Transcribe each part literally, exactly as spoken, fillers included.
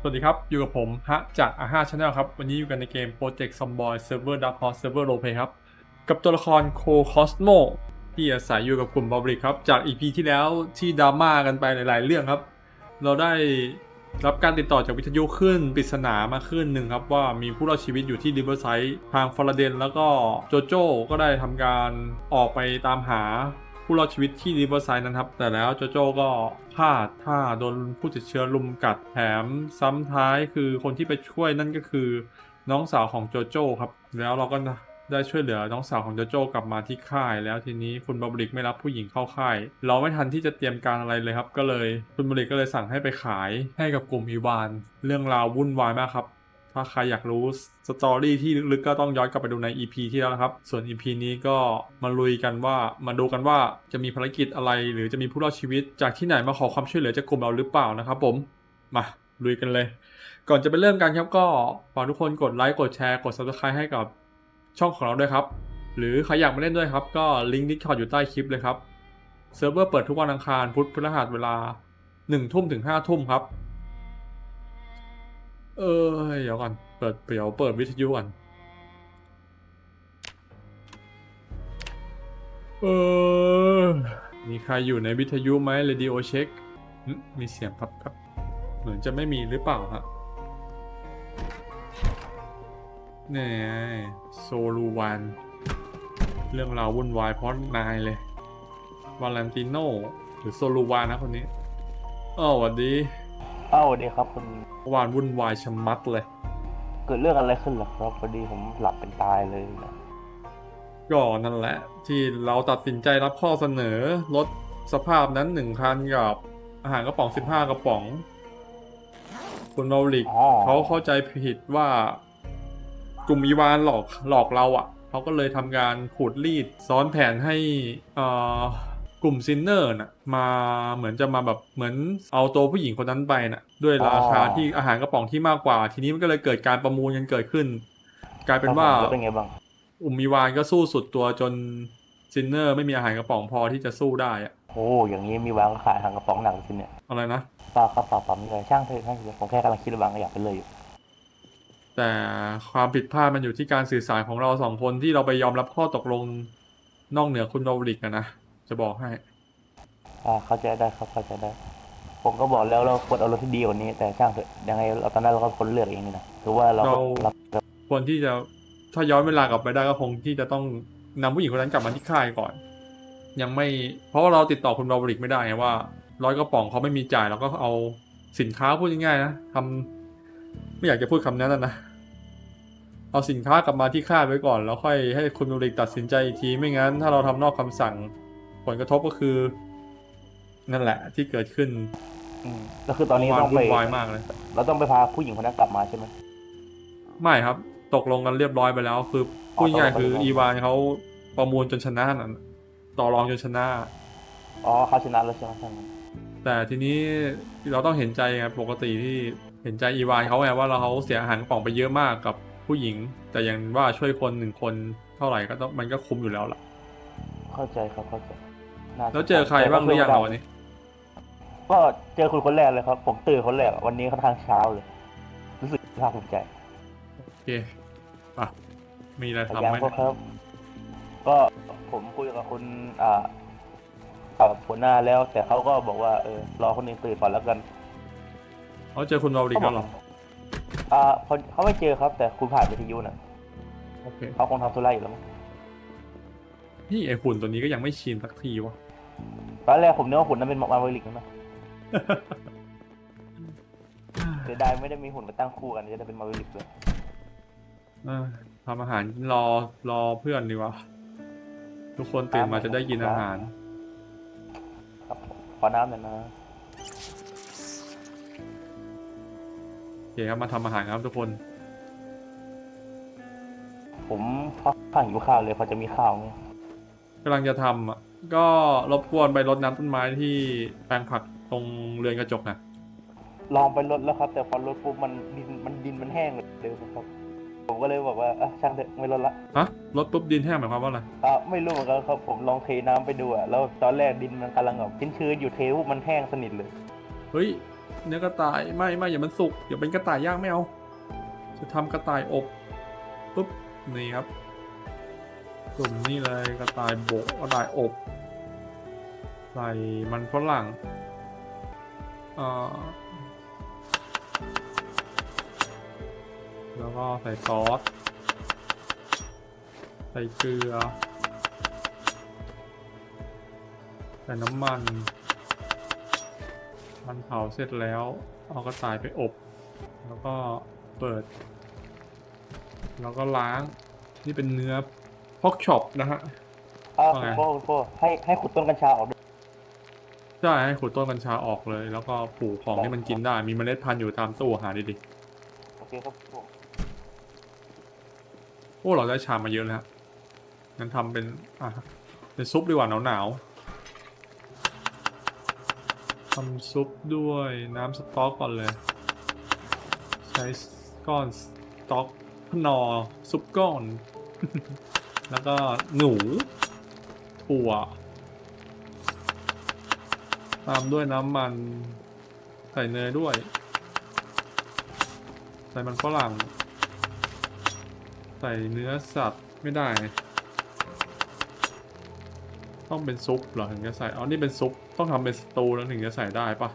วัสดีครับอยู่กับผมฮะจากอาห้า Channel ครับวันนี้อยู่กันในเกม Project Zomboid Server Dark Horse Server Roleplay ครับกับตัวละครโคคอสโมที่อาศัยอยู่กับกลุ่มบอบริกครับจาก อี พี ที่แล้วที่ดราม่ากันไปหลายๆเรื่องครับเราได้รับการติดต่อจากวิทยุขึ้นปริศนามาขึ้นหนึ่งครับว่ามีผู้รอดชีวิตอยู่ที่ริเวอร์ไซด์ทางฟาราเดนแล้วก็โจโจ้ก็ได้ทำการออกไปตามหาผู้รอดชีวิตที่ริเวอร์ไซด์นั้นครับแต่แล้วโจโจ้ก็พลาดท่าโดนผู้ติดเชื้อลุมกัดแถมซ้ำท้ายคือคนที่ไปช่วยนั่นก็คือน้องสาวของโจโจ้ครับแล้วเราก็ได้ช่วยเหลือน้องสาวของโจโจ้กลับมาที่ค่ายแล้วทีนี้คุณบอบริกไม่รับผู้หญิงเข้าค่ายเราไม่ทันที่จะเตรียมการอะไรเลยครับก็เลยคุณบอบริกก็เลยสั่งให้ไปขายให้กับกลุ่มอีวานเรื่องราววุ่นวายมากครับถ้าใครอยากรู้สตอรี่ที่ลึกๆก็ต้องย้อนกลับไปดูใน อี พี ที่แล้วนะครับส่วน อี พี นี้ก็มาลุยกันว่ามาดูกันว่าจะมีภารกิจอะไรหรือจะมีผู้รอดชีวิตจากที่ไหนมาขอความช่วยเหลือจากกลุ่มเราหรือเปล่านะครับผมมาลุยกันเลยก่อนจะไปเริ่มกันครับก็ฝากทุกคนกดไลค์กดแชร์กด ซับสไครบ์ ให้กับช่องของเราด้วยครับหรือใครอยากมาเล่นด้วยครับก็ลิงก์ Discord อยู่ใต้คลิปเลยครับเซิร์ฟเวอร์เปิดทุกวันอังคารพุธพฤหัสเวลาหนึ่งทุ่มถึงห้าทุ่มครับเออเดี๋ยวก่อนเปิดเดี๋ยวเปิดวิทยุก่อนเออมีใครอยู่ในวิทยุไหม Radio Check มีเสียงครับครับเหมือนจะไม่มีหรือเปล่าฮะนี่โซลูวันเรื่องราววุ่นวายเพราะนายเลยวาเลนติโนหรือโซลูวานนะคนนี้อ้าวสวัสดีอ้าวสวัสดีครับคุณวานวุ่นวายชะมัดเลยเกิดเรื่องอะไรขึ้นเหรอครับพอดีผมหลับเป็นตายเลยนะก็นั่นแหละที่เราตัดสินใจรับข้อเสนอลดสภาพนั้นหนึ่งคันกับอาหารกระป๋องสิบห้ากระป๋องคุณเมาลิกเขาเข้าใจผิดว่ากลุ่มอีวานหลอกหลอกเราอ่ะเขาก็เลยทำการขูดรีดซ้อนแผนให้อ่ากลุ่มซินเนอร์น่ะมาเหมือนจะมาแบบเหมือนเอาตัวผู้หญิงคนนั้นไปน่ะด้วยราคาที่อาหารกระป๋องที่มากกว่าทีนี้มันก็เลยเกิดการประมูลกันเกิดขึ้นกลายเป็นว่าเป็นไงบ้างอุมมีวานก็สู้สุดตัวจนซินเนอร์ไม่มีอาหารกระป๋องพอที่จะสู้ได้อะโอ้อย่างนี้มีวางขายอาหารกระป๋องหนังสิเนี่ยอะไรนะเปล่าครับเปล่าเปล่าไม่เลยช่างเถอะช่างเถอะผมแค่กำลังคิดว่าบางอยากไปเลยอยู่แต่ความผิดพลาดมันอยู่ที่การสื่อสารของเราสองคนที่เราไปยอมรับข้อตกลงนอกเหนือคุณโรบริกนะจะบอกให้อ่าเข้าใจได้ครับเข้าใจได้ผมก็บอกแล้วเราควรเอารถที่ดีกว่านี้แต่ช่างเถอะยังไงเราตอนนั้นเราก็คนเลือกเองนี่นะถือว่าเราเราควรที่จะถ้าย้อนเวลากลับไปได้ก็คงที่จะต้องนำผู้หญิงคนนั้นกลับมาที่ค่ายก่อนยังไม่เพราะว่าเราติดต่อคุณโรบริกไม่ได้ไงว่าร้อยกระป๋องเขาไม่มีจ่ายเราก็เอาสินค้าพูดง่ายๆนะทำไม่อยากจะพูดคำนั้นนะเอาสินค้ากลับมาที่ค่ายไว้ก่อนแล้วค่อยให้คุณโรบริกตัดสินใจอีกทีไม่งั้นถ้าเราทำนอกคำสั่งผลกระทบก็คือนั่นแหละที่เกิดขึ้นอืมก็คือตอนนี้ต้องไปวายมากเลยเราต้องไปพาผู้หญิงคนนั้นกลับมาใช่ไหมไม่ครับตกลงกันเรียบร้อยไปแล้วคือพูดง่ายคืออีวานเขาประมูลจนชนะนั่นต่อรองจนชนะอ๋อเขาชนะแล้วใช่ไหมช่างแต่ทีนี้เราต้องเห็นใจไงปกติที่เห็นใจอีวานเขาไงว่าเราเขาเสียอาหารกระป๋องไปเยอะมากกับผู้หญิงแต่อย่างว่าช่วยคนหนึ่งคนเท่าไหร่ก็ต้องมันก็คุ้มอยู่แล้วล่ะเข้าใจครับเข้าใจแล้วเจอใครบ้างหรือยังวันนี้ก็เจอคุณคนแรกเลยครับผมตื่นคนแรกวันนี้ค่อนข้างเช้าเลยรู้สึกภาคภูมิใจโอเคอ่ะมีอะไรทำไหมครับก็ผมคุยกับคุณอ่ากับหัวหน้าแล้วแต่เขาก็บอกว่าเออรอคนอื่นตื่นก่อนแล้วกันเขาเจอคุณเราดีกันหรออ่าเขาไม่เจอครับแต่คุณผ่านวิทยุน่ะโอเคเขาคงทำธุระอยู่แล้วมั้งนี่ไอหุ่นตัวนี้ก็ยังไม่ชินสักทีวะตอนแรกผมนึกว่าหุ่นนั้นเป็นมาร์เวลิกนะเสียดายไม่ได้มีหุ่นมาตั้งคู่กันจะได้เป็นมาร์เวลิกเลยทำอาหารรอรอเพื่อนดีกว่าทุกคนตื่นมาจะได้กินอาหารครับขอน้ำหน่อยนะโอเคครับมาทำอาหารครับทุกคนผมค่อนข้างหิวข้าวเลยพอจะมีข้าวไหมกำลังจะทำอ่ะก็รบกวนไปรดน้ำต้นไม้ที่แปลงผักตรงเรือนกระจกนะลองไปรดแล้วครับแต่พอรดปุ๊บมันดินมันดินมันแห้งเลยครับผมก็เลยบอกว่าอ่ะช่างเถอะไม่รดละฮะรดปุ๊บดินแห้งหมายความว่าอะไรอ่ะไม่รู้เหมือนกันครับผมลองเทน้ำไปดูอ่ะแล้วตอนแรกดินมันกำลังแบบชื้นๆอยู่เทปุ๊บมันแห้งสนิทเลยเฮ้ยเนื้อกระต่ายไม่ไม่อย่ามันสุกเดี๋ยวเป็นกระต่ายย่างไม่เอาจะทำกระต่ายอบปุ๊บนี่ครับกลุ่มนี่เลยกระต่ายโบกกระต่ายอบใส่มันฝรั่งเอ่อแล้วก็ใส่ซอสใส่เกลือใส่น้ำมันมันเผาเสร็จแล้วเอากระต่ายไปอบแล้วก็เปิดแล้วก็ล้างนี่เป็นเนื้อพอกช็อปนะฮะอ่าว่าคุไงณพ่อคุณพ่อให้ให้ขุดต้นกัญชาออกด้วยใช่ให้ขูดต้นกัญชาออกเลย แล้วก็ปลูกของที่มันกินได้มีเมล็ดพันธุ์อยู่ตามตู้หาดีโอเคครับผมๆโอ้เราได้ชามมาเยอะแล้วงั้นทำเป็นอ่ะเป็นซุปดีกว่าหนาวๆทำซุปด้วยน้ำสต๊อกก่อนเลย ใช้ก้อนสต๊อกพนอซุปก้อน แล้วก็หนูถั่วตามด้วยน้ำมันใส่เนยด้วยใส่มันฝรั่งใส่เนื้อสัตว์ไม่ได้ ต้องเป็นซุปเหรอถึงจะใส่อ๋อนี่เป็นซุปต้องทำเป็นสตูแล้วถึงจะใส่ได้ปะ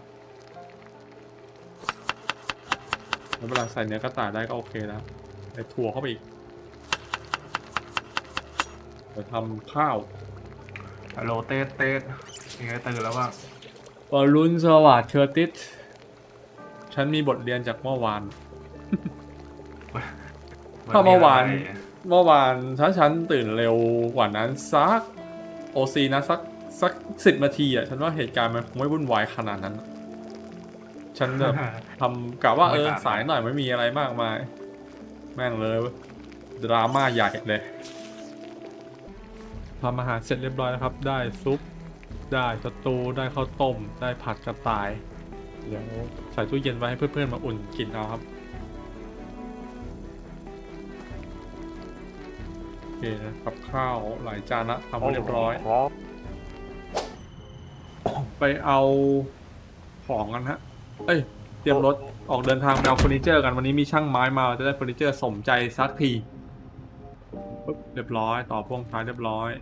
แล้วเวลาใส่เนื้อกระต่ายได้ก็โอเคแล้วใส่ถั่วเข้าไปอีกเดี๋ยวทำข้าวฮัลโหลเต้เต้ยังไงตื่นแล้วบ้างบอลลูนสวัสดิ์เคอร์ติสฉันมีบทเรียนจากเมื่อวาน ถ้าเมื่อวาน เมื่อวานถ้าฉันตื่นเร็วกว่านั้นสักโอซีนะสักสักสิบนาทีอ่ะฉันว่าเหตุการณ์มันคงไม่วุ่นวายขนาดนั้นอะฉันแบบทำกะว่าเออสายหน่อยไม่มีอะไรมากมายแม่งเลยดราม่าใหญ่เลยทำอาหารเสร็จเรียบร้อยแล้วครับได้ซุปได้สตูได้ข้าวต้มได้ผัดกระต่ายเดี๋ยวใส่ตู้เย็นไว้ให้เพื่อนๆมาอุ่นกินเอาครับโอเคนะกับข้าวหลายจานละทำไว้เรียบร้อยครับไปเอาของกันฮะ เอ้ย เตรียมรถออกเดินทางไปเอาเฟอร์นิเจอร์กันวันนี้มีช่างไม้มาจะได้เฟอร์นิเจอร์สมใจสักทีปุ๊บเรียบร้อยต่อพ่วงท้ายเรียบร้อย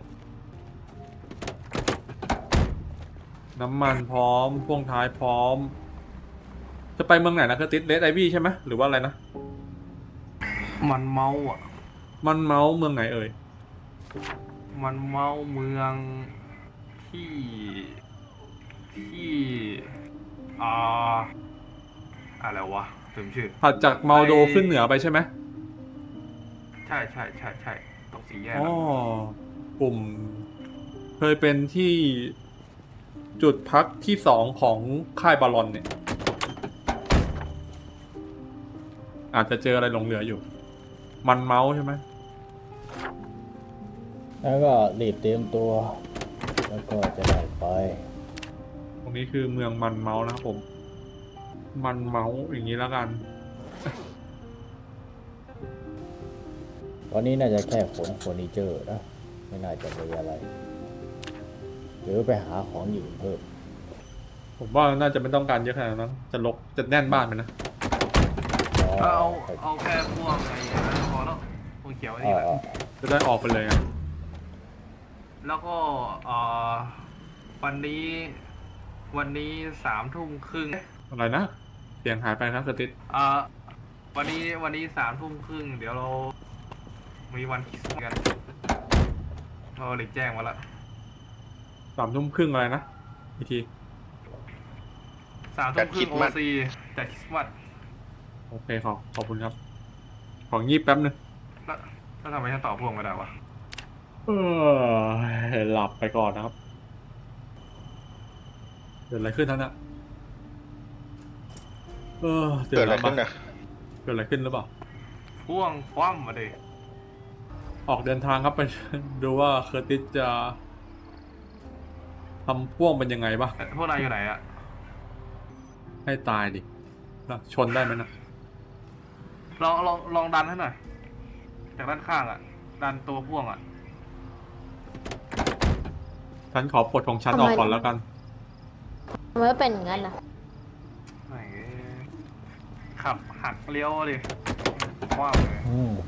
น้ำมันพร้อมพ่วงท้ายพร้อม จะไปเมืองไหนนะคือติดเลดไอวี่ใช่ไหมหรือว่าอะไรนะมันเมาอ่ะมันเมาส์เมืองไหนเอ่ยมันเมาเมืองที่ที่อ่าอะไรวะลืมชื่อถัดจากเมาโดขึ้นเหนือไปใช่ไหมใช่ใช่ใช่ใช่ตรงสี่แยกอ๋ออะกลุ่ม เคยเป็นที่จุดพักที่สองของค่ายบาลอนเนี่ย อาจจะเจออะไรหลงเหลืออยู่ มันเมาส์ใช่ไหมแล้วก็รีบเตรียมตัว แล้วก็จะได้ไปตรงนี้คือเมืองมันเมาส์นะครับผม มันเมาส์อย่างนี้แล้วกันวันนี้น่าจะแค่ขนเฟอร์นิเจอร์นะ ไม่น่าจะมีอะไร หรือไปหาของอยู่เพิ่มผมว่าน่าจะไม่ต้องการเยอะขนาดนั้นจะลกจะแน่นบ้านไปนะเอาเอาแค่พวกไอ้นั่นพอแล้วพวกเขียวไอ้นี่แหละจะได้ออกไปเลยอะแล้วก็เอ่อวันนี้วันนี้สามทุ่มครึ่งอะไรนะ เสียงหายไปครับกระติดเอ่อวันนี้วันนี้สามทุ่มครึ่งเดี๋ยวเรามีวันคริสต์มาสกันเราหลีกแจ้งมาละสามทุ่มครึ่งอะไรนะอีกทีสามทุ่มครึ่งโอซีจัดคริสต์มาสโอเคขอบขอบคุณครับ ของงีบแป๊บนึงแล้วแล้วทำไมฉันตอบพวกไม่ได้วะเออหลับไปก่อนนะครับเกิดอะไรขึ้นท่านอะเออเกิดอะไรขึ้นนะเกิดอะไรขึ้นหรือเปล่าพ่วงคว่ำมาดิออกเดินทางครับไป ดูว่าเคอร์ติสจะทำพ่วงเป็นยังไงบ้างพวกนายอยู่ไหนอะให้ตายดิแล้วชนได้ไหมนะลองลองลองดันให้หน่อยจากด้านข้างอะดันตัวพ่วงอะฉันขอปลดของฉันออกก่อนแล้วกันทำไมเป็นอย่างนั้นนะแม่งขับหักเลี้ยวเลยว้าวเลยอืม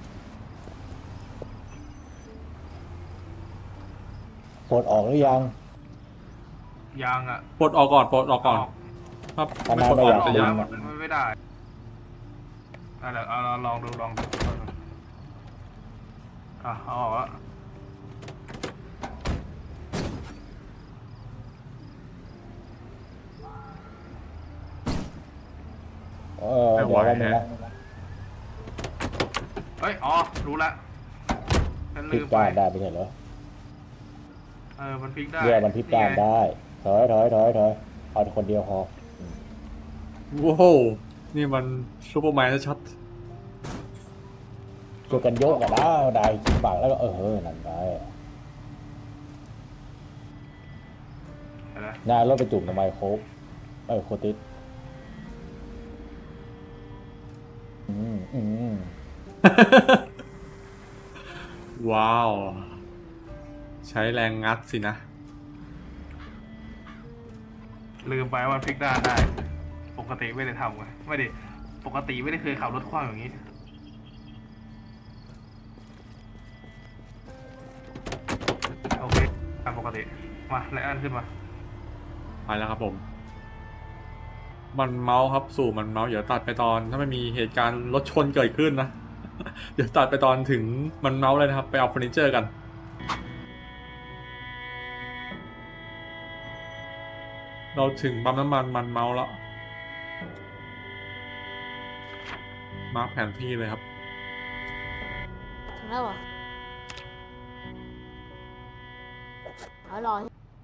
ปลดออกหรือยังยางอ่ะปลดออกก่อนปลดออกก่อนครับทำไมไม่ปลดออกไม่ไม่อยากได้ดึงไม่ไม่ได้อะไรเอาเอาลองดูลองดูอ่ะเอาออกละเออเดี๋ยวแป๊บนึงนะเฮ้ยอ๋อรู้ละฉันพลิลืกมไปด้านได้ไม่ใช่เหรอเออมันพลิกได้เรียกมันพลิกด้านไงได้ถอยถอยถอยถอยเอาคนเดียวพอโอ้โหนี่มันซูเปอร์แมนชัดช่วยกันยกกันนะได้กินปากแล้วก็เออนั่นไงเห็นไหมนายรถไปจุ่มทำไมโคกเออโคติสอืมอืมๆ ว้าว ใช้แรงงัดสินะลืมไปว่ามันพลิกด้านได้ ปกติไม่ได้ทำไงไม่ได้ปกติไม่ได้เคยขับรถคว้างอย่างนี้โอเคตามปกติมาไลอ้อนขึ้นมาไปแล้วครับผม มันเมาส์ครับสู่มันเมาส์เดี๋ยวตัดไปตอนถ้าไม่มีเหตุการณ์รถชนเกิดขึ้นนะ เดี๋ยวตัดไปตอนถึงมันเมาส์เลยนะครับ ไปเอาเฟอร์นิเจอร์กัน เราถึงปั๊มน้ำมันมันเมาส์แล้ว มาร์คแผนที่เลยครับถึงแล้วเหรอเอารอ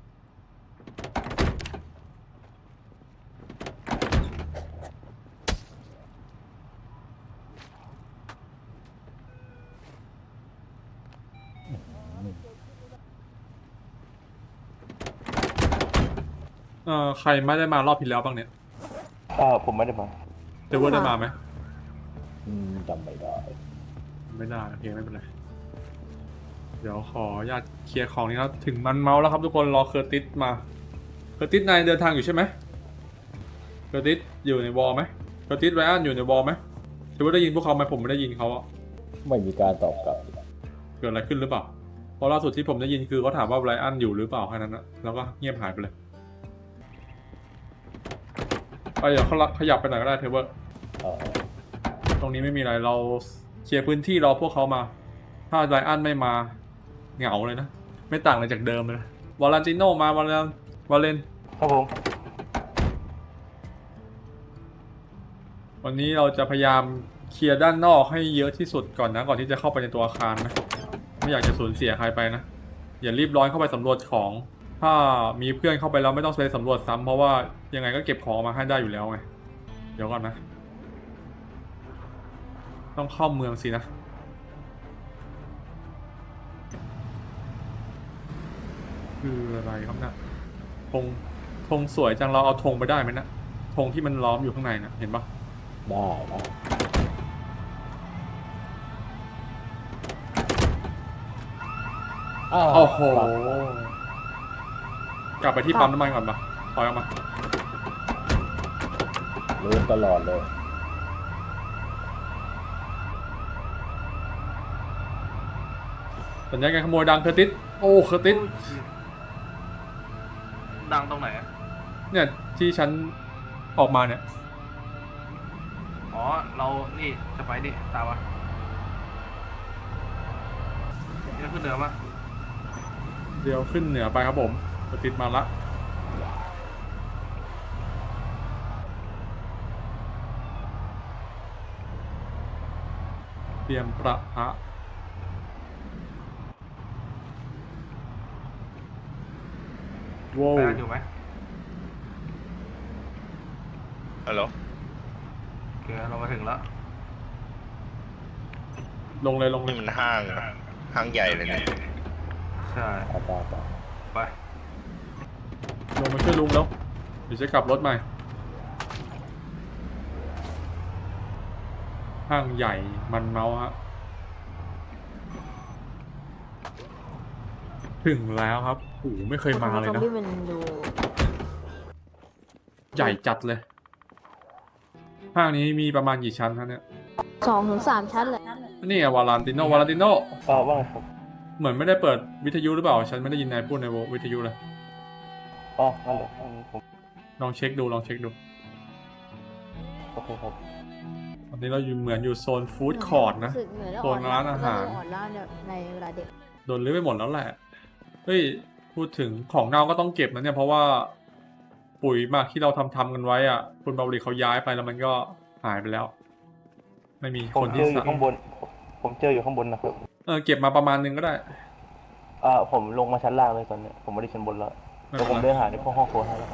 เอ่อใครไม่ได้มารอบที่แล้วบ้างเนี่ยอ่าผมไม่ได้มาเดวเวอร์ได้มาไหมอืมจำไม่ได้ไม่ได้โอเคไม่เป็นไร เดี๋ยวขออนุญาตเคลียร์ของนี้ครับ ถึงมันเมาส์แล้วครับทุกคนรอเคอร์ติสมา เคอร์ติสนายเดินทางอยู่ใช่ไหมเคอร์ติสอยู่ในวอลไหมเคอร์ติสไรอันอยู่ในวอลไหมเดวเวอร์ได้ยินพวกเขาไหมผมไม่ได้ยินเขาอะไม่มีการตอบกลับเกิดอะไรขึ้นหรือเปล่าเพราะล่าสุดที่ผมได้ยินคือเขาถามว่าไรอันอยู่หรือเปล่าแค่นั้นนะแล้วก็เงียบหายไปเลยไปเดี๋ยวเขาขยับไปหน่อยก็ได้เทเวอร์เออตรงนี้ไม่มีอะไรเราเคลียร์พื้นที่รอพวกเขามา ถ้าไรอันไม่มาเหงาเลยนะ ไม่ต่างอะไรจากเดิมเลยนะวาลันติโนมาวาเลนวาเลนครับผมวันนี้เราจะพยายามเคลียร์ด้านนอกให้เยอะที่สุดก่อนนะก่อนที่จะเข้าไปในตัวอาคารนะไม่อยากจะสูญเสียใครไปนะอย่ารีบร้อนเข้าไปสำรวจของ ถ้ามีเพื่อนเข้าไปแล้วไม่ต้องไปสำรวจซ้ำเพราะว่ายังไงก็เก็บของมาให้ได้อยู่แล้วไงเดี๋ยวก่อนนะ ต้องเข้าเมืองสินะคืออะไรครับเนะธงธงสวยจังเราเอาธงไปได้ไหมนะธงที่มันล้อมอยู่ข้างในนะเห็นปะได้นะ อ้าวโอ้โหกลับกลับไปที่ปั๊มน้ำมันก่อนปะถอยออกมาลืมตลอดเลยสัญญาณการขโมยดังเคอร์ติสโอ้เคอร์ติสดังตรงไหนอะเนี่ยที่ฉันออกมาเนี่ยอ๋อเรานี่จะไปดิตามมานี่เราขึ้นเหนือมาเดี๋ยวขึ้นเหนือไปครับผมเคอร์ติสมาละเตรียมประทะว้าวไปกันอยู่ไหมฮัลโหลโอเคเรามาถึงแล้วลงเลยลงเลนี่ยมันห้างอะห้างใหญ่เลยเนี่ยใช่เอาไปไปไปลงมาช่วยลุงแล้วเดี๋ยวจะกลับรถใหม่ห้างใหญ่มันเมาส์ฮะถึงแล้วครับโอ้โหไม่เคยมาเลยซอมนะบี้มันดูใหญ่จัดเลยห้างนี้มีประมาณกี่ชั้นครับเนี่ยสองถึงสามชั้นเลยนี่อะวาลานติโนวาลานติโนเออว่าไงครับเหมือนไม่ได้เปิดวิทยุหรือเปล่า ฉันไม่ได้ยินนายพูดในวิทยุเลยอ๋องั้นเหรออืมผมลองเช็คดูลองเช็คดูโอเคครับตอนนี้เราอยู่เหมือนอยู่โซนฟู้ดคอร์ทนะรู้สึกเหนื่อยแล้วโซนร้านอาหารอ่อนล้าในเวลาเด็กโดนรื้อไปหมดแล้วแหละ เฮ้ย พูดถึงของเน่าก็ต้องเก็บนะเนี่ย เพราะว่าปุ๋ยหมักที่เราทำทำกันไว้อ่ะ คุณบาบริเขาย้ายไปแล้วมันก็หายไปแล้ว ไม่มีผมคนเจที่ออยู่สั่งข้างบน ผมเจออยู่ข้างบนนะครับเออเก็บมาประมาณนึงก็ได้เออผมลงมาชั้นล่างเลยตอนเนี้ยผมไม่ได้ชั้นบนแล้วไม่เดี๋ยวเป็ผนมไรเดินหาในพวกห้องครัวให้แล้ว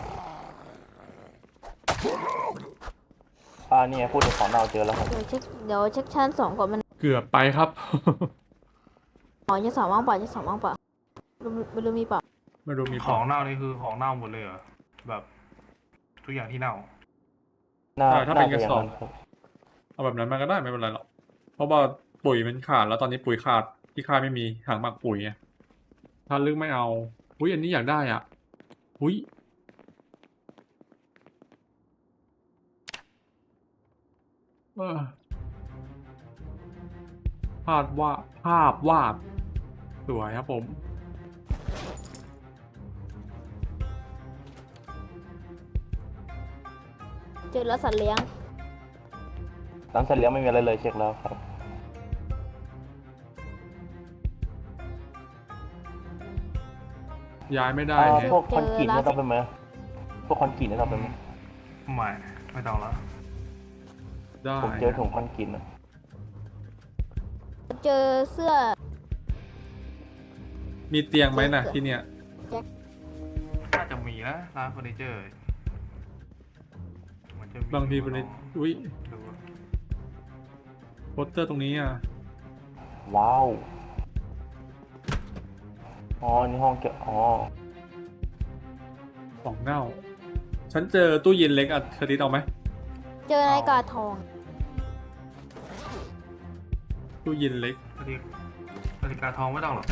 อ่านี่ไงพูดถึงของเราเจอแล้วครับเดี๋ยวเช็คเดี๋ยวเช็คชั้นสองก่อนมันเกือบไปครับอ๋อชั้นสองว่างเปล่าชั้นสองว่างเปล่าไม่รู้ไม่รู้มีเปล่าไม่รู้มีขขออง งเน่านี่คือของเน่าหมดเลยเหรอแบบทุกอย่างที่เน่าน่าใช่ถ้าเป็นน่าจะกระสอบย่างนั้นครับเอาแบบนั้นมาก็ได้ไม่เป็นไรหรอก เพราะว่าปุ๋ยมันขาดแล้วตอนนี้ปุ๋ยขาดที่ค่ายไม่มีถังหมักปุ๋ยไงถ้าลึกไม่เอา อุ้ยอันนี้อยากได้อ่ะ อุ้ยเออภาพวาดภาพวาดสวยครับผมเจอแล้วสัตว์เลี้ยงร้านเสร็จแล้วไม่มีอะไรเลยเช็คแล้วครับย้ายไม่ได้อ่าแฮะพวกคอนกรีตเนี่ยต้องเป็นไหมพวกคอนกรีตเนี่ยต้องเป็นไหมไม่ไม่ต้องแล้วได้ผมเจอถุงคอนกรีตนะเจอเสื้อมีเตียงไหมนะที่เนี่ยน่าจะมีนะร้านเฟอร์นิเจอร์มันจะมีบางทีเป็นในอุ้ยดูว่าโปสเตอร์ตรงนี้อ่ะว้าวอ๋อนี่ห้องเก็บอ๋อของเน่า ฉันเจอตู้เย็นเล็กอ่ะเคยติดเอาไหมเจอนาฬิกาทองตู้เย็นเล็กนาฬิกานาฬิกาทองไม่ต้องหรอก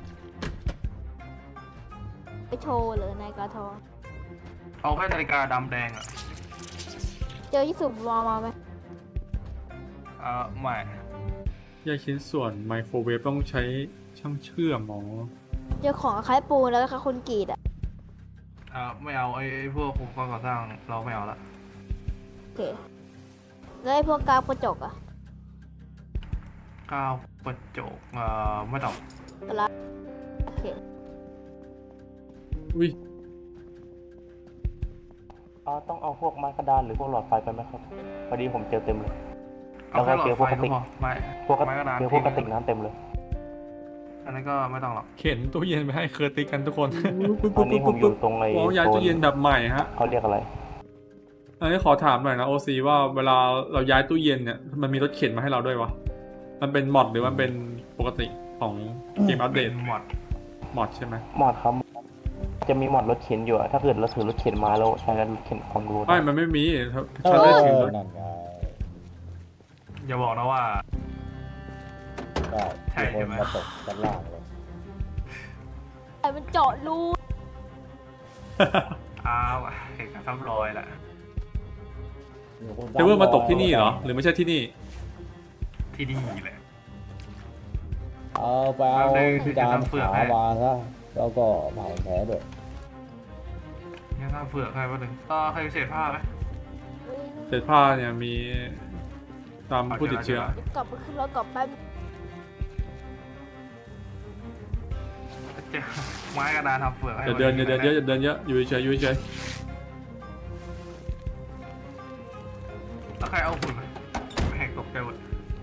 ไปโชว์เลยนาฬิกาทองเอาแค่นาฬิกาดำแดงอ่ะเจอยี่สุบวอลมาไหมเอ่อไม่แยกชิ้นส่วนไมโครเวฟต้องใช้ช่างเชื่อมหมอเจอของคล้ายปูนแล้วก็คล้ายคอนกรีตอ่ะเอ่อไม่เอาไอ้ไอ้พวกอุปกรณ์ก่อสร้างเราไม่เอาละโอเคแล้วไอ้พวกกาวกระจกอ่ะก้าวกระจกเอ่อไม่ต้องตะละโอเคอุ้ยอ่าต้องเอาพวกไม้กระดานหรือพวกหลอดไฟไปไหมครับพอดีผมเจอเต็มเลยเอาแค่หลอแล้วก็เจอดพวไฟกกระก็ติกพอไม่พวกกระไม้กระดานเจอพวกกระติกน้ำเต็มเลยอันนั้นก็ไม่ต้องหรอกเข็นตู้เย็นไปให้เคอร์ติกกันทุกคนตอนนี้ผมอยู่ตรงไอ้โอ้ย้ายโซตู้เย็นแบบใหม่ฮะเขาเรียกอะไรอันนี้ขอถามหน่อยนะโอซีว่าเวลาเราย้ายตู้เย็นเนี่ยมันมีรถเข็นมาให้เราด้วยวะ มันเป็นมอดหรือมันเป็นปกติของเกมอัปเดเป็ตนหมดมอดใช่ไหมมอดครับ จะมีมอดรถเข็นอยู่อะถ้าเกิดเราถือรถเข็นมาแล้วใช้รถเข็นคอนโทรลไม่ มันไม่มีถ้าเอฉันอไม่ได้ถือรถนั่นไงอย่าบอกนะว่าได้ใช่มีคใช่นไหมมาตกด้านล่างเลยไอ้มันเจาะรูอ้าวเห็นกันซ้ำรอยแหละมีคนเทเวอร์มาตกที่นี่เหรอ หรือไม่ใช่ที่นี่ที่นี่แหละเอาไปเอาเอาเลยที่ดามเปลือกขาให้มาซะแล้วก็เผาแผลด้วยงั้นถ้าเผื่อใครมาถึงต่อใครเศษผ้าไหมเศษผ้าเนี่ยมีตามผู้ติดเชื้อเดี๋ยวกลับไปขึ้นรถกลับแป๊บเจอไม้กระดานทำเฟือกให้อย่าเดินอย่าเดินเยอะอย่าเดินเยอะอยู่เฉยๆอยู่เฉยแล้วใครเอาหุ่นแหกตกใจหมด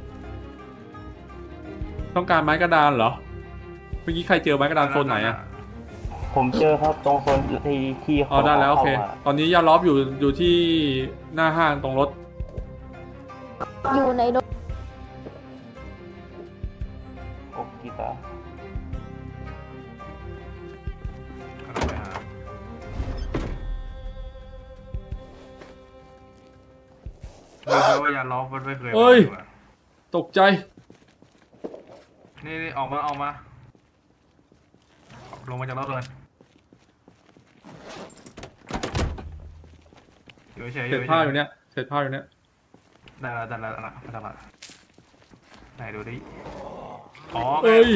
ๆต้องการไม้กระดานเหรอ เมื่อกี้ใครเจอไม้กระดานโซนไหนอะผมเจอครับตรงโซนที่ที่อ๋อได้แล้วโอเคข้ามาตอนนี้ยาล้อมอยู่อยู่ที่หน้าห้างตรงรถอยู่ในรถโอ้กีตาร์กำลังไปหารู้ไหมว่าอย่าล้อมมันไม่เคยเอ้ยมาตกใจนี่นี่ออกมาออกมา ลงมาจากรถเลยอยู่เฉยๆเศษผ้าอยู่เนี้ยเศษผ้าอยู่เนี้ยได้แล้วได้แล้วได้แล้วได้แล้วไหนดูดิอ๋อเอ้ย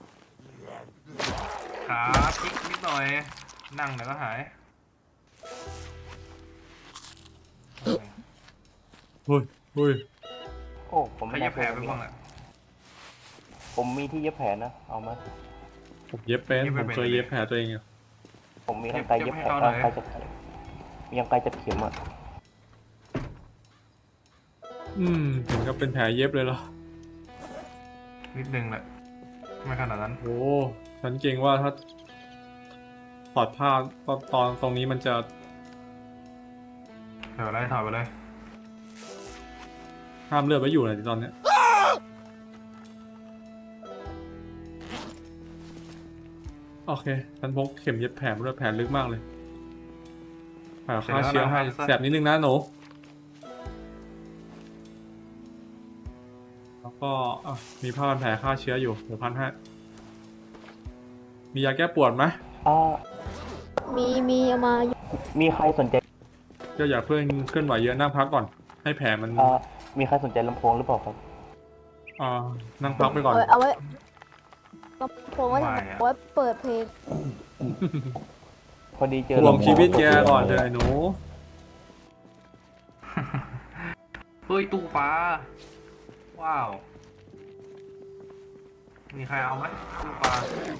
ขาพลิกนิดหน่อยนั่งเดี๋ยวก็หายเฮ้ยเฮ้ยโอ้ผมใครไม่จะน่าแผลไปบ้างอ่ะผมมีที่เย็บแผลนะเอามาผมเย็บเป็นเย็บผไม่มเป็นเคยเย็บแผลตัวเองอยู่ผมมีทั้งไกลเย็บแผลเย็บให้ทั้งเขาหน่อยไกลจะมียังไกลจะเข็มอ่ะอืมถึงกับเป็นแผลเย็บเลยเหรอนิดนึงแหละไม่ขนาดนั้นโอ้ฉันเกรงว่าถ้าถอดผ้าตอนตอนตรงนี้มันจะเดี๋ยวไล่ถอยไปเลยห้ามเลือดไว้อยู่เลยตอนเนี้ยโอเคฉันพกเข็มเย็บแผลมาด้วยแผลลึกมากเลยแผลฆ่าเชื้อให้แสบนิดนึงนะหนูแล้วก็อ่ะมีผ้าพันแผลฆ่าเชื้ออยู่เดี๋ยวพันให้มียาแก้ปวดไหมอ่ามีมีเอามาอยู่มีใครสนใจก็อย่าเพิ่งเคลื่อนไหวเยอะนั่งพักก่อน ให้แผลมันอ่ามีใครสนใจลำโพงหรือเปล่าครับอ่านั่งพักไปก่อนเอาเอาไว้ก็ผมว่าไม่จะอะไว้เปิดเพลงพอดีเจอห่วงลำโพชีวิตแกก่อนเลยหนูเฮ้ยตู้ปลาว้าวมีใครเอาไหมตู้ปลา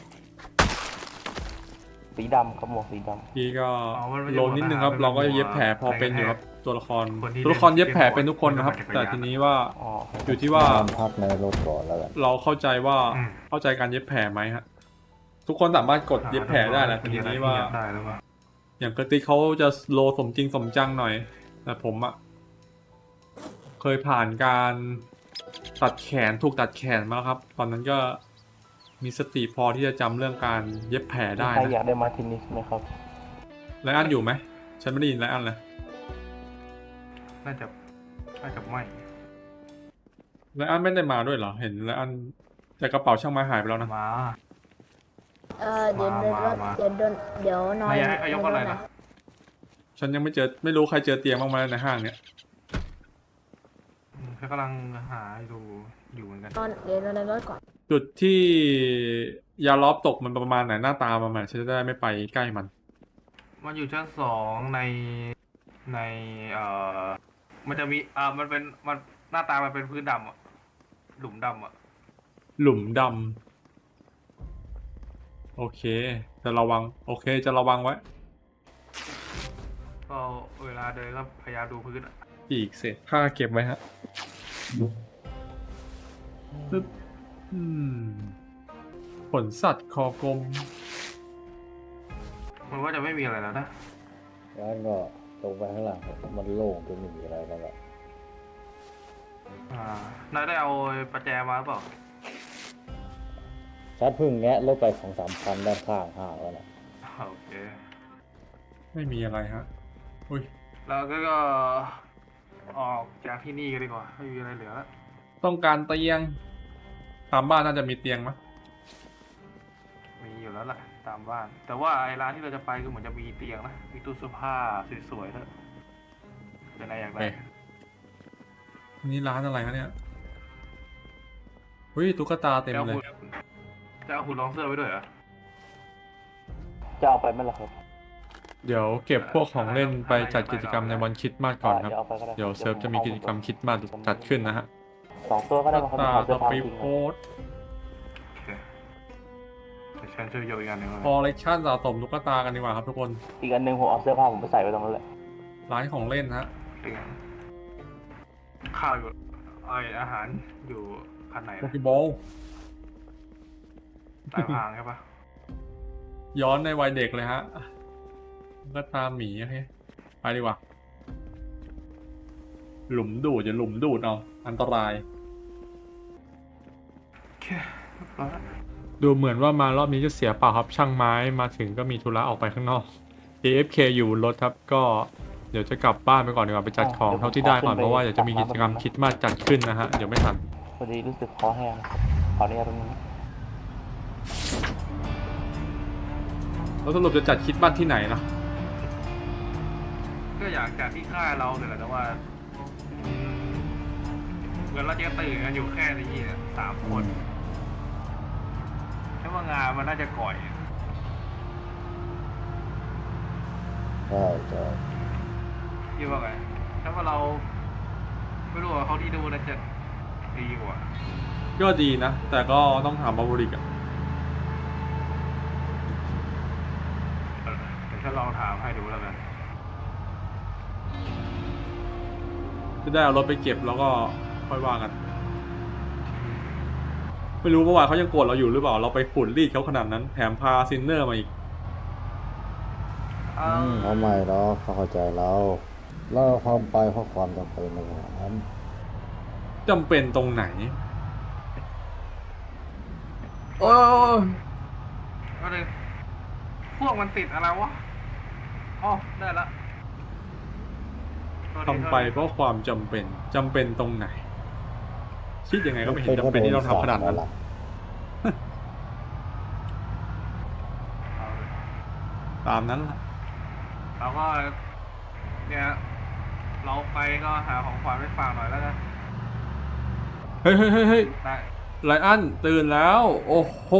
สีดำครับหมวกสีดพี่ก็อ๋อมันไม่ใช่โลนิดนึงครับหมวกทหารเราก็มันเป็นเย็บแผลพอหมวกเป็นอยู่ครับแทนตัวละครคนที่ตัวละครเย็บแผลเป็นทุกคนนะครับเล่นแต่จักรยานทีนี้ว่าำอ๋ออยู่ที่ว่านอนพักในรถก่อนแล้วกันเราเข้าใจว่าอืมเข้าใจการเย็บแผลไหมฮะทุกคนสามารถกดเย็บแผลได้แหละแต่ทีนี้ว่ามีอะไรที่เย็บได้หรือเปล่าอย่างกระติกเขาจะโลสมจริงสมจังหน่อย แต่ผมอะเคยผ่านการตัดแขนถูกตัดแขนมาแล้วครับ ตอนนั้นก็มีสติพอที่จะจำเรื่องการเย็บแผลได้มีใครอนะยากได้มาทินิสไหมครับไลอันอยู่ไหมฉันไม่ได้ยินไลอันเลยน่าจะน่าจะไม่ไลอันไม่ได้มาด้วยเหรอเห็นไลอันแต่กระเป๋าช่างไม้หายไปแล้วนะมาเออเดี๋ยวมาเดี๋ยวมามาเดี๋ยวเดี๋ยวเดี๋ยวนอนไม่ให้ให้ยกอะไรนะฉันยังไม่เจอไม่รู้ใครเจอเตียงบ้างไหมในห้างเนี่ยอืมแค่กำลังหาดูอยู่เหมือนกันนอนเดี๋ยวนอนในรถก่อนจุดที่ยาล้อมตกมันประมาณไหนหน้าตาประมาณฉันจะได้ไม่ไปใกล้มันมันอยู่ชั้นสองในในเอ่อมันจะมีอ่ามันเป็นมันหน้าตามันเป็นพื้นดำอ่ะหลุมดำอ่ะหลุมดำโอเค จะระวัง โอเค จะระวังไว้ก็เวลาเดินก็พยายามดูพื้นอะอีกเศษผ้าเก็บไว้ฮะปึ๊บอืมขนสัตว์คอกลมมันว่าจะไม่มีอะไรแล้วนะแล้วก็ตรงไปข้างหลังมันโล่งจนไม่มีอะไรแล้วล่ะอ่านายได้เอาประแจมาหรือเปล่าชัดเพึ่งแงะรถไปของสามพันด้านข้างห้างแล้วนะโอเคไม่มีอะไรฮะ อุ้ยแล้วก็ก็ออกจากที่นี่กันดีกว่าไม่มีอะไรเหลือแล้วต้องการเตียง ตามบ้านน่าจะมีเตียงมั้ยมีอยู่แล้วแหละตามบ้าน แต่ว่าไอ้ร้านที่เราจะไปคือเหมือนจะมีเตียงนะมีตู้เสื้อผ้าสวยๆด้วยเป็นอะไรอย่างไรเอ๊ะนี่ร้านอะไรคะเนี่ยอุ้ยตุ๊กตาเต็มจะเอาเลยหุ่นจะเอาหุ่นรองเสื้อไว้ด้วยเหรอจะเอาไปไหมล่ะครับเดี๋ยวเก็บพวกของเล่นไปจัดกิจกรรมในวันคริสต์มาสก่อนครับเดี๋ยวเอาไปก็ได้เดี๋ยวเซิร์ฟจะมีกิจกรรมคริสต์มาสจัดขึ้นนะฮะสองตัวก็ได้มาครับตาเอาสเสื้อผ้าปีทิ้งโพไว้สโอเคเดี๋ยวฉันช่วยโยกอีกอันหนึ่งคอลเลกชันสะสมตุ๊กตากันดีกว่าครับทุกคนอีกอันหนึ่งผมเอาเสื้อผ้าผมไปใส่ไว้ตรงนั้นแหละร้านของเล่นฮะเตียงข้าวอยู่ไออาหารอยู่คันไหนโปนะเกบอลใต้พางใช่ปะย้อนในวัยเด็กเลยฮะตุ๊กตาหมีโอเคไปดีกว่า หลุมดูดอย่าหลุมดูดเอาอันตรายโอเคเรียบร้อยแล้วดูเหมือนว่ามารอบนี้จะเสียเปล่าครับช่างไม้มาถึงก็มีธุระออกไปข้างนอก เอ เอฟ เค อยู่บนรถครับก็เดี๋ยวจะกลับบ้านไปก่อนดีกว่าไปจัดของเท่าที่ได้ก่อนเพราะว่าเดี๋ยวจะมีกิจกรรมคริดมาสจัดขึ้นนะฮะเดี๋ยวไม่ทันพอดีรู้สึกคอแห้งนะครับขออนุญาตตรงนี้แล้วสรุปจะจัดคริดมาสที่ไหนนะก็อยากจากที่ค่ายเราเนี่ยแหละแต่ว่าอืมมือนเราจะตื่นกันอยู่แค่นี้อะสามคนถ้าว่างานมันน่าจะก่อยใช่ใช่คิดว่าไงถ้าว่าเราไม่รู้ว่าเขาที่ดูน่าจะดีกว่าก็ดีนะ แต่ก็ต้องถามบาบริกอะเออเดี๋ยวฉันลองถามให้ดูแล้วกันจะได้เอารถไปเก็บแล้วก็ค่อยว่ากัน ไม่รู้เมื่อวานเขายังโกรธเราอยู่หรือเปล่า เราไปขุดรีดเขาขนาดนั้น แถมพาซินเนอร์มาอีกเอ้าอืมเขาไม่หรอกเขาเข้าใจเราเราความไปเพราะความจำเป็นในขณะนั้นจำเป็นตรงไหน โอ้ยก็เลยพวกมันติดอะไรวะอ๋อได้ละโทษทีทำไปเพราะความจำเป็น จำเป็นตรงไหน คิดยังไงก็ไม่เห็นจำเป็นที่ต้องทำขนาดนั้นเอาเลยตามนั้นล่ะเราก็เนี่ยเราไปก็หาของขวัญไปฝากหน่อยแล้วกันเฮ้ยเฮ้ยเฮ้ยเฮ้ยได้ไลอันตื่นแล้ว โอ้โห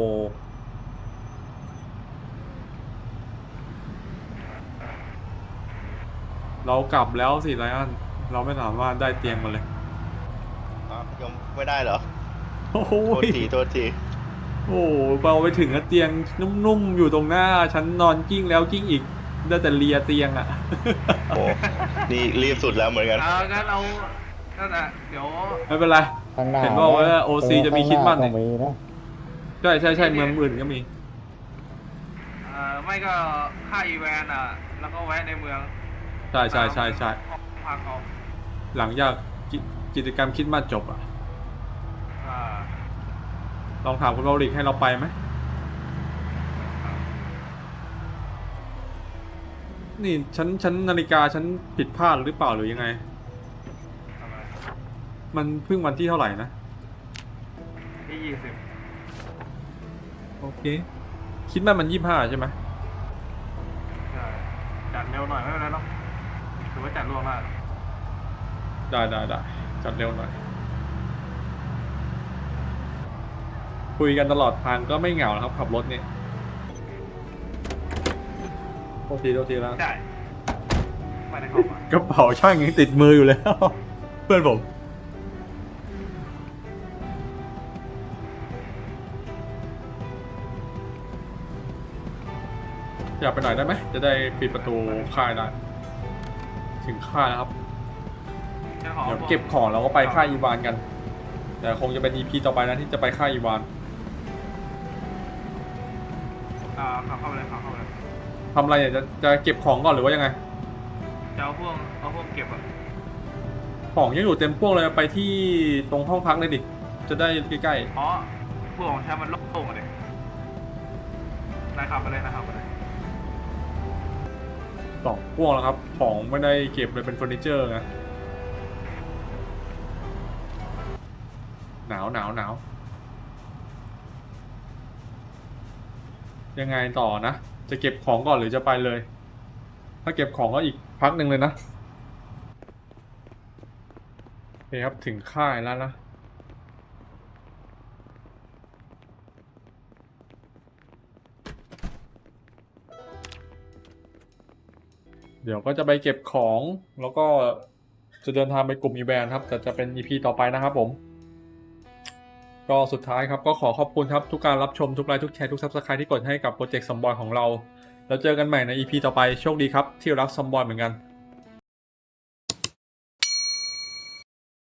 เรากลับแล้วสิไลอัน เราไม่สามารถได้เตียงมาเลยอ้าวยังไม่ได้เหรอโอ้โหโทษที โทษทีโอ้โหเราไปถึงแล้วเตียงนุ่มๆอยู่ตรงหน้า ฉันนอนกิ้งแล้วกิ้งอีก ได้แต่เลียเตียงอะโอ้ นี่รีบสุดแล้วเหมือนกันเอางั้นเรานั่นแหละเดี๋ยวไม่เป็นไรข้างหน้าเห็นบอกว่า โอ ซี จะมีคริสต์มาสเนี่เนี่ยมีนะใช่ใช่ใช่เมืองอื่นก็มีเอ่อไม่ก็ค่าอีแวนอ่ะ แล้วก็แวะในเมืองใช่ใช่ใช่ใช่พักเอาหลังจากกิกิจกรรมคริดมาสจบอะอ่าลองถามคุณบริกให้เราไปไหม นี่ฉันฉันนาฬิกาฉันผิดพลาดหรือเปล่าหรือยังไงทำไมมันเพิ่งวันที่เท่าไหร่นะที่ยี่สิบโอเค คิดว่ามันยี่ห้าใช่ไหมใช่จัดเร็วหน่อยไม่เป็นไรหรอกถือว่าจัดล่วงหน้าได้ได้ได้จัดเร็วหน่อย คุยกันตลอดทางก็ไม่เหงานะครับ ขับรถเนี่ยโทษทีโทษทีแล้วใช่ไม่ได้เข้ามากระเป๋าช่างยังติดมืออยู่แล้ว เพื่อนผม อยากไปหน่อยได้ไหม จะได้ปิดประตูค่ายได้ ถึงค่ายแล้วครับจะขอเดี๋ยวเก็บของแล้วก็ไปค่ายอีวานกัน แต่คงจะเป็น อี พี ต่อไปนะที่จะไปค่ายอีวานอ่าขับเข้าไปเลยขับเข้าไปเลยทำอะไรเนี่ยจะจะเก็บของก่อนหรือว่ายังไงจะเอาพวกเอาพวกเก็บอ่ะของยังอยู่เต็มพวกเลยไปที่ตรงห้องพักเลยดิ จะได้ใกล้อ๋อพวกของฉันมันโล่งๆอ่ะเลยนายขับไปเลยนายขับไปเลยๆสองพวกแล้วครับ ของไม่ได้เก็บเลยเป็นเฟอร์นิเจอร์นะหนาวหนาวหนาวยังไงต่อนะ จะเก็บของก่อนหรือจะไปเลย ถ้าเก็บของก็อีกพักหนึ่งเลยนะโอเคครับถึงค่ายแล้วนะ เดี๋ยวก็จะไปเก็บของแล้วก็จะเดินทางไปกลุ่มอีแวนครับแต่จะเป็น อี พี ต่อไปนะครับผม ก็สุดท้ายครับก็ขอขอบคุณครับทุกการรับชมทุกไลค์ทุกแชร์ทุกซับสไครต์ที่กดให้กับโปรเจกต์ซัมบอยของเราแล้วเจอกันใหม่ใน อี พี ต่อไปโชคดีครับที่รักซัมบอยเหมือนกัน